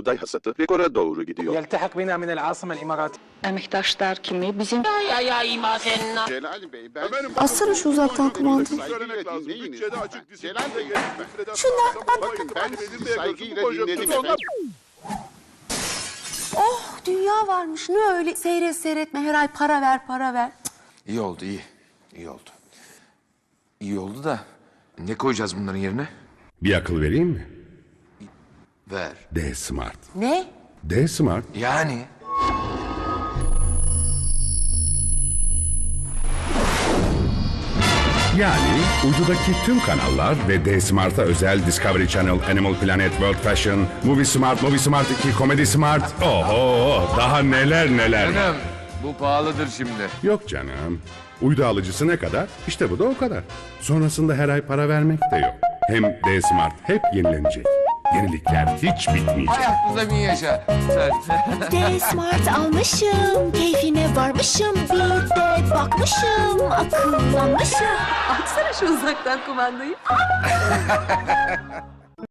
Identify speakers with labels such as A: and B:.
A: buğday hasadı rekora doğru gidiyor.
B: يلتحق بنا من العاصمة الإماراتية.
C: Emektaşlar kimi bizim
D: Celal Bey, ben
E: Açsana şu uzaktan kumandayı.
D: söylemek lazım. Bütçede açık
F: Celal Bey,
E: Şunlar
F: bakın ben
D: saygıyla dinledim efendim.
E: Oh, dünya varmış. Ne öyle seyret seyretme her ay para ver para ver.
G: İyi oldu, iyi. İyi oldu. İyi oldu da ne koyacağız bunların yerine?
H: Bir akıl vereyim mi?
G: Ver.
H: D-Smart.
E: Ne?
H: D-Smart.
G: Yani?
H: Yani uydudaki tüm kanallar ve D-Smart'a özel Discovery Channel, Animal Planet, World Fashion, Movie Smart 2, Comedy Smart. Oho, daha neler neler var.
G: Canım, bu pahalıdır şimdi.
H: Yok canım. Uydu alıcısı ne kadar? İşte bu da o kadar. Sonrasında her ay para vermek de yok. Hem D-Smart hep yenilenecek. Yenilikler hiç bitmeyecek.
G: Hayatımıza bin yaşa.
I: D-Smart almışım, keyfine varmışım, bir de bakmışım, akıllanmışım.
E: Açsana şu uzaktan kumandayı.